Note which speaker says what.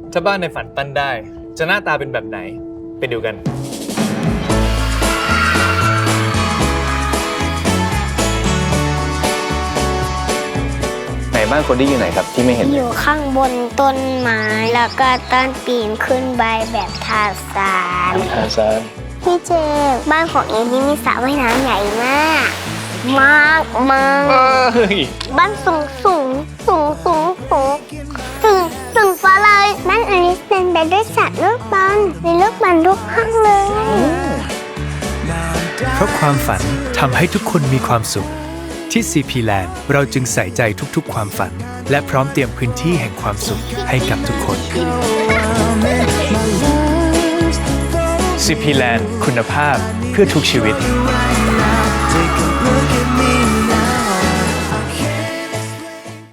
Speaker 1: ถ้าบ้านในฝันปั้นได้ จะหน้าตาเป็นแบบไหน ไปดูกัน
Speaker 2: ไหนบ้านคนที่อยู่ไหนครับที่ไม่เห็น
Speaker 3: อยู่ข้างบนต้นไม้แล้วก็ต้นปีนขึ้นใบแบบทาซาน
Speaker 2: ทาซาน
Speaker 3: พี่เจบ้านของเอนี่มีสระว่ายน้ำใหญ่มากมากมาก บ้านสูงฟ้าเลยบ้านอลิสเต็มไปด้วยสัตว์ลูกบอลมีลูกบอลทุกห้องเลย
Speaker 4: เพราะความฝันทำให้ทุกคนมีความสุข ที่ CP Land เราจึงใส่ใจทุกๆความฝัน และพร้อมเตรียมพื้นที่แห่งความสุขให้กับทุกคน CP Land คุณภาพเพื่อทุกชีวิต
Speaker 5: Take a